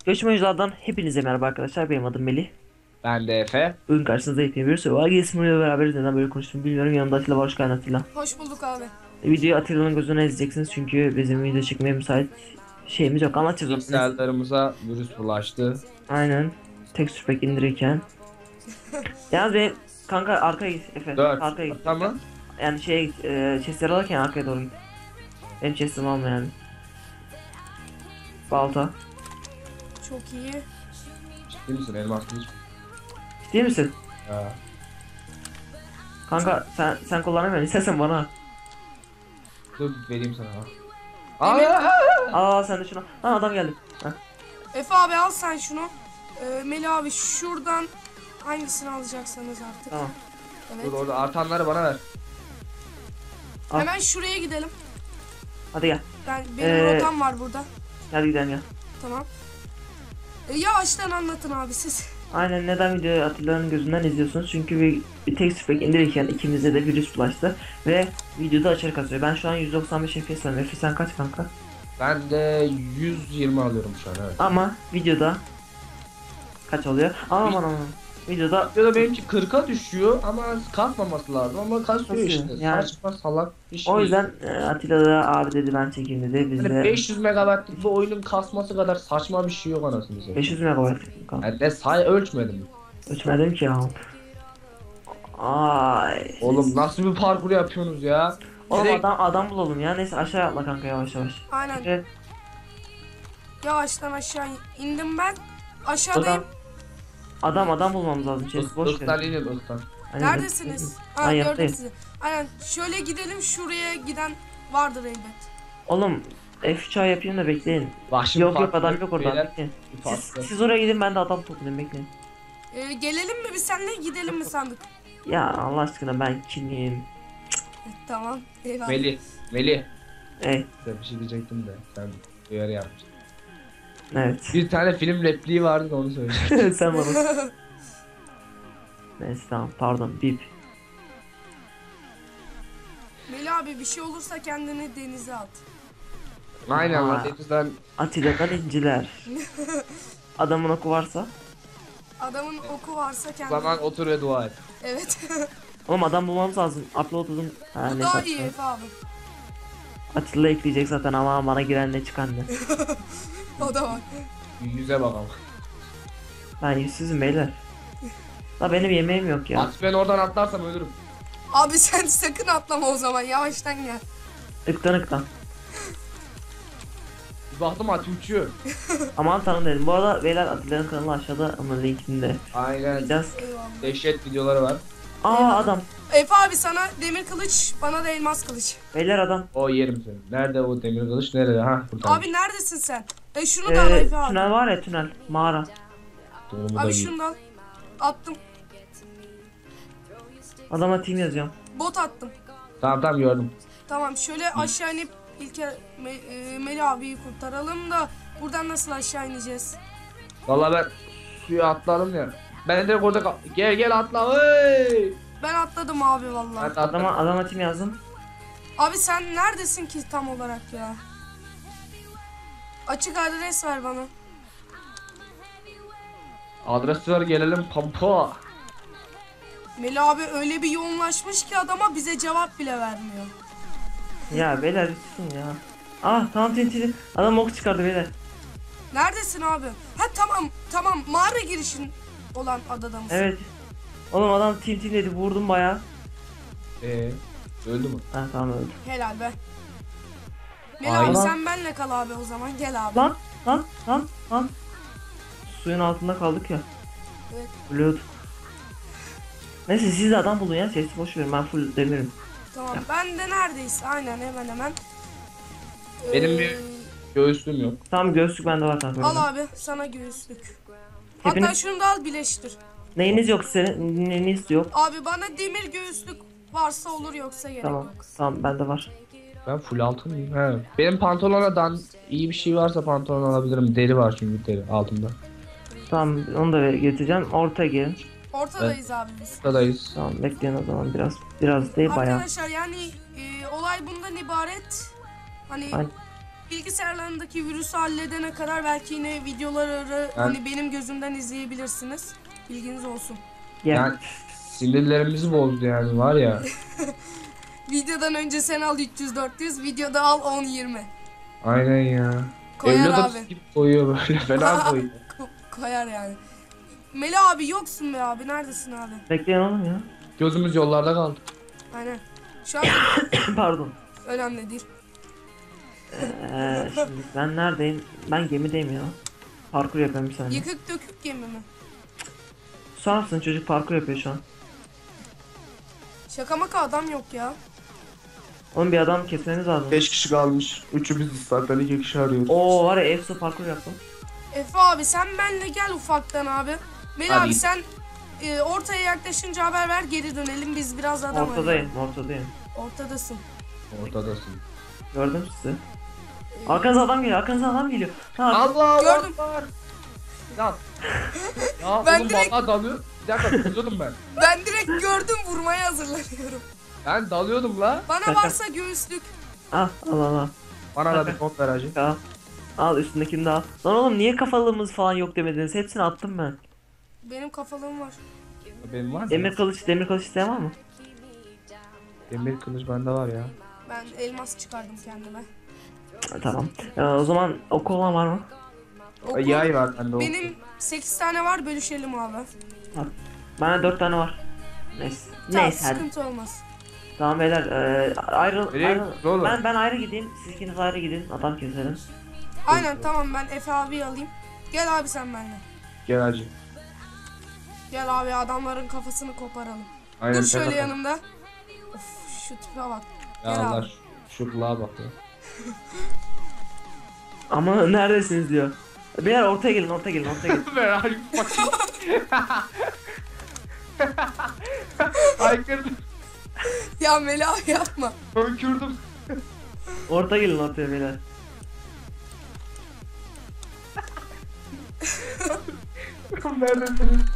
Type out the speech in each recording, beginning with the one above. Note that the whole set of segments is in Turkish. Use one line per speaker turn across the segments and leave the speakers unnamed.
Göçmen oyunculardan hepinize merhaba arkadaşlar. Benim adım Melih.
Ben de Efe.
Bugün karşınızda yepyeni bir Survival Games beraberiz. Neden böyle konuştuğumu bilmiyorum. Yanımda Atilla var. Hoş geldin Atilla.
Hoş bulduk abi.
Videoyu Atilla'nın gözüne izleyeceksiniz. Çünkü bizim video çekmeye müsait şeyimiz yok. Anlatacağız onu. Neyse.
Bilgisayarlarımıza virüs bulaştı.
Aynen. Texture pack indirirken. Yalnız benim kanka arkaya git Efe.
4.
Arkaya git.
Tamam.
Yani şeye git. Chestleri alırken arkaya doğru git. Benim chestimi alma yani. Balta.
Çok iyi.
Ciddi misin? Elmas kılıç.
Ciddi misin?
Ya.
Kanka sen kullanamıyorsun. İstersen bana at.
Dur vereyim sana.
Sen de şunu. Ha adam geldi. Heh.
Efe abi al sen şunu. Melih abi şuradan hangisini alacaksanız artık.
Tamam.
Evet.
Dur orada artanları bana ver.
Al.
Hemen şuraya gidelim.
Hadi gel.
Benim rotam var burada.
Hadi gidelim ya.
Tamam. Yavaştan anlatın abi siz.
Aynen, neden videoyu Atilla'nın gözünden izliyorsunuz? Çünkü bir texture pack indirirken ikimize de virüs bulaştı ve videoda aşırı kasıyor. Ben şu an 195 FPS alıyorum. Efe sen kaç kanka?
Ben de 120 alıyorum şu an, evet.
Ama videoda kaç oluyor? Aman. Videoda
Ya da benimki 40'a düşüyor ama kalkmaması lazım ama kasıyor
Kasıyor,
işte.
yani.
Saçma salak bir şey.
o yüzden Atilla da abi dedi ben çekeyim dedi. Biz
Hani
de
500 megabaytlık bir oyunun kasması kadar saçma bir şey yok anasını satayım.
500 MB kanka.
Yani ne ölçmedim.
Ölçmedim ki ya. Ay.
Oğlum nasıl bir parkur yapıyorsunuz ya?
Oğlum
Direkt-
adam bulalım ya. Neyse aşağı atla kanka, yavaş yavaş.
Aynen.
Evet.
Yavaştan aşağı indim ben. Aşağıdayım.
Adam bulmamız lazım. Chest boş
Irktan
ver.
inin ırktan.
Aynen.
Neredesiniz?
Ben
Ha gördüm
yattayım.
sizi. Aynen. Şöyle gidelim, şuraya giden vardır elbet.
Oğlum F3 yapayım da bekleyin.
Bak şimdi
Yok
farklı
adam yok orada.
beyler,
Bekleyin.
bir farklı.
Siz oraya gidin, ben de adam toplayayım, bekleyin.
Gelelim mi biz seninle, gidelim mi sandık?
Ya Allah aşkına ben kimim?
Tamam. Eyvallah.
Melih.
Ey,
Size bir şey diyecektim de sen uyarı yapmıştın.
evet.
Bir tane film repliği vardı da onu söyleyeceğim.
Sen bana. Neyse tamam, pardon, bip.
Melih abi bir şey olursa kendini denize at.
Aynen
Aa.
lan denizden
Atilla'dan inciler. Adamın oku varsa.
Adamın oku varsa kendini...
zaman otur ve dua et.
Evet.
Oğlum adam bulmamız lazım. Upload'um. Ha,
Bu
neyse,
daha
Atilla.
iyi Efe abi.
Atilla ekleyecek zaten ama bana giren ne çıkan ne.
O da var.
Yüze bakalım.
Ben yüzsüzüm beyler. La benim yemeğim yok ya.
At ben oradan atlarsam ölürüm.
Abi sen sakın atlama o zaman, yavaştan gel.
Iktan.
Bir baktım at uçuyor.
Aman tanrım dedim. Bu arada beyler Atilla'nın kanalı aşağıda, onun linkini de
Aynen.
koyacağız.
Eyvallah.
Dehşet videoları var.
Adam.
Efe abi sana demir kılıç, bana da elmas kılıç.
Beyler adam.
O yerim seni. Nerede o demir kılıç, nerede? Ha burada.
Abi neredesin sen? Şunu da al Efe abi.
Tünel var ya, tünel. Mağara.
Donumu da
Abi
giy.
şunu da al. Attım.
Adama team yazıyorum.
Bot attım.
Tamam gördüm.
Tamam şöyle aşağı inip Melih abiyi kurtaralım da buradan nasıl aşağı ineceğiz?
Vallahi ben suya atladım ya. Ben direkt orada gel atla. Hey!
Ben atladım abi
Ben
vallahi.
de atladım.
Adama team yazdım.
Abi sen neredesin ki tam olarak ya? Açık adres ver bana.
Adresi ver gelelim pampa.
Melih abi öyle bir yoğunlaşmış ki adama bize cevap bile vermiyor.
Ya beyler lütfen ya. Tamam TNT. Adam ok çıkardı beyler.
Neredesin abi? Ha tamam mağara girişin olan adada mısın?
Evet. Oğlum adam team dedi, vurdum baya.
Öldü mü?
Ha tamam, öldü.
Helal be. Melih
Aynen.
abi sen benle kal abi o zaman, gel abi.
Lan. Suyun altında kaldık ya.
Evet.
Ölüyorduk. Neyse siz de adam bulun ya. Sesi boş verin, ben full demirim.
Tamam ben de neredeyiz? Aynen hemen.
Benim bir göğüslüğüm yok.
Tamam, göğüslük bende var kanka.
Al abi sana göğüslük. Hatta
Hepiniz-
şunu da al, birleştir.
Neyiniz yok senin? Neyiniz yok?
Abi bana demir göğüslük varsa olur, yoksa gerek
Tamam.
yok.
Tamam, bende var.
Ben full altın mıyım? He. Benim pantolona iyi bir şey varsa pantolon alabilirim. Deri var çünkü deri altımda.
Tamam, onu da getireceğim. Ortaya gelin.
Ortadayız abi biz.
Buradayız.
Tamam, bekleyin o zaman biraz değil bayağı.
Arkadaşlar yani olay bundan ibaret. Hani
Aynen.
bilgisayarlarındaki virüsü halledene kadar belki yine videoları hani benim gözümden izleyebilirsiniz. Bilginiz olsun.
Yani sinirlerimizi bozdu yani var ya.
Videodan önce sen al 300-400, videoda al 10-20.
Aynen ya.
Koyar
Evlat
abi.
gibi koyuyor böyle fena koyuyor.
Koyar yani. Melih abi yoksun be abi, neredesin abi?
Bekleyin oğlum ya.
Gözümüz yollarda kaldı.
Aynen. Şu an
Pardon.
önemli değil.
Şimdi ben neredeyim? Ben gemideyim ya. Parkur yapıyorum bir saniye.
Yıkık dökük gemi mi?
Susar mısın, çocuk parkur yapıyor şu an.
Şaka maka adam yok ya.
Oğlum bir adam kesmeniz lazım.
5 kişi kalmış. Üçü biziz zaten 2 kişi arıyoruz.
Oo var ya, Efso parkur yaptım.
Efe abi sen benle gel ufaktan abi. Melih
Hadi.
abi sen ortaya yaklaşınca haber ver, geri dönelim, biz biraz adam
Ortadayım, ortadayım.
Ortadasın.
Ortadasın.
Gördüm sizi. Arkanıza adam geliyor, arkanıza adam geliyor. Ha,
Allah
Gördüm.
Akbar. Ya. Ya
Ben
oğlum
direkt-
vallahi dalıyor. Bir dakika dalıyordum ben.
Ben direkt gördüm, vurmaya hazırlanıyorum.
Ben dalıyordum la.
Bana
Şaka.
varsa göğüslük.
al al al.
Bana da bir kod ver hacı.
Al. Al üstündekini de al. Lan oğlum niye kafalığımız falan yok demediniz? Hepsini attım ben.
Benim kafalığım var.
Benim var mı?
Demir kılıç isteyen var mı?
Demir kılıç bende var ya.
Ben elmas çıkardım kendime.
Ha, tamam. O zaman oku olan var mı?
Okul,
Yay var bende o.
benim 8 tane var, bölüşelim abi.
Bana 4 tane var. Neyse.
Tamam,
Neyse hadi.
sıkıntı olmaz.
Tamam beyler, ayrıl.
Nereye
ayrıl.
gidiyorsun oğlum?
Ben ayrı gideyim. Siz ikiniz ayrı gidin. Adam keselim.
Aynen tamam, ben Efe abi alayım. Gel abi sen benimle.
Gel hacı.
Gel abi, adamların kafasını koparalım.
Aynen,
Dur
sen
şöyle
de-
yanımda. Of şu tipe bak.
Ya
Gel
Allah
abi.
şu kulağa bak ya.
Ama neredesiniz diyor. Beyler ortaya gelin, ortaya gelin, ortaya gelin.
Ver hadi bakayım. Aykırdım.
Ya Melih abi yapma.
Önkürdüm.
Ortaya gelin, ortaya beyler.
Neredesiniz?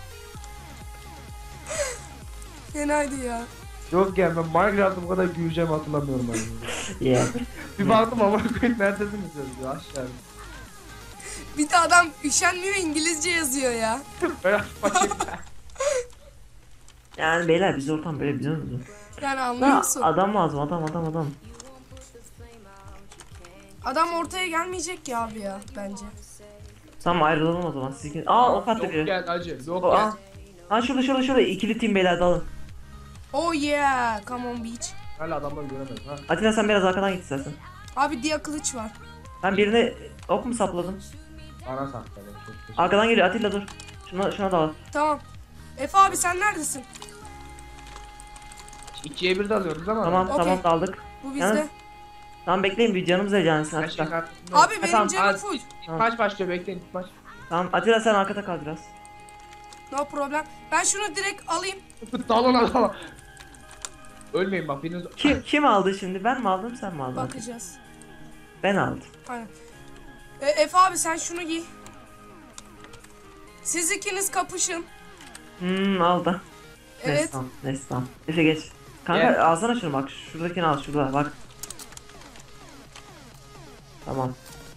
Fenaydı ya.
Yok ya, ben Minecraft'ta bu kadar güleceğimi hatırlamıyorum ben.
Yeah.
Bir baktım ama koyun neredesiniz diyor aşağı.
Bir de adam üşenmiyor, İngilizce yazıyor ya.
Ben bakayım.
Yani beyler biz ortam böyle biliyor musunuz?
Yani anlıyor
Ha,
musun?
adam lazım, adam.
Adam ortaya gelmeyecek ya abi ya bence.
Tamam ayrılalım o zaman. Siz ikiniz... Aa ok attı
Yok
biri.
gel hacı. Yok
O,
gel.
aa. Ha şurada ikili team beyler dalın.
Oh yeah, come on beach.
Hala adamları göremedim ha.
Atilla sen biraz arkadan git istersen.
Abi diye kılıç var.
Ben birine ok mu sapladım?
Bana sakladım. Çok teşekkür.
Arkadan geliyor Atilla dur. Şuna dal.
Tamam. Efe abi sen neredesin?
2'ye 1 de alıyoruz ama.
Tamam
Okey.
tamam daldık.
Bu bizde.
Yalnız- Tamam bekleyin bir canımız heyecanlısın
Her şey
Atilla.
kartında.
Abi benim
tamam,
canım
hadi.
full.
Maç başlıyor, bekleyin maç.
Tamam Atilla sen arkada kal biraz.
No problem. Ben şunu direkt alayım.
Dalın adama. Ölmeyin bak biriniz.
Kim aldı şimdi? Ben mi aldım sen mi aldın?
Bakacağız.
Ben aldım.
Aynen. Efe abi sen şunu giy. Siz ikiniz kapışın.
Aldı.
Evet.
Neyse tamam. Efe geç. Kanka
Gel.
alsana şunu bak. Şuradakini al şurada bak. Tamam.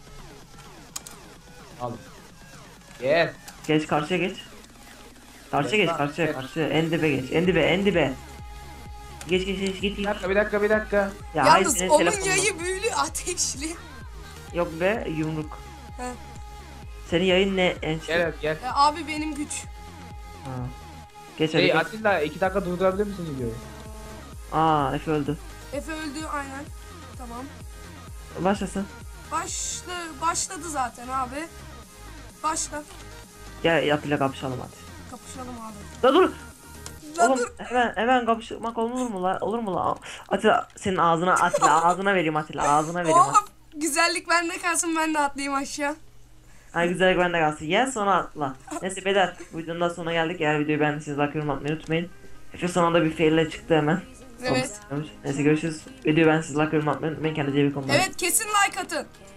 Alın. Gel.
Geç karşıya geç. Karşıya
Geç
geç
lan,
karşıya
geç.
karşıya. En dibe geç. En dibe. Geç git.
Bir dakika.
Ya hayır,
Yalnız
senin
onun
telefonun.
yayı büyülü ateşli.
Yok be yumruk.
He.
Senin yayın ne en
Gel.
Abi benim güç.
Ha. Geç hadi.
Hey
Geç.
Atilla 2 dakika durdurabilir misin videoyu?
Aa Efe öldü.
Efe öldü aynen. Tamam.
Başlasın.
Başladı zaten abi. Başla.
Gel Atilla kapışalım hadi.
Kapışalım abi.
La dur.
La
Oğlum
dur.
hemen kapışmak olur mu la? Olur mu la? Atilla senin ağzına vereyim Atilla ağzına vereyim.
Oh, güzellik bende kalsın, ben de atlayayım aşağı.
Ay güzel bende kalsın. Yen sonra atla. Neyse beyler bu videonun da sonuna geldik. Eğer videoyu beğendiyseniz like yorum atmayı unutmayın. Efe sonunda bir faille çıktı hemen.
Evet.
Neyse görüşürüz. Videoyu beğendiyseniz like yorum atmayı unutmayın. Kendinize iyi bakın.
Evet kesin like atın.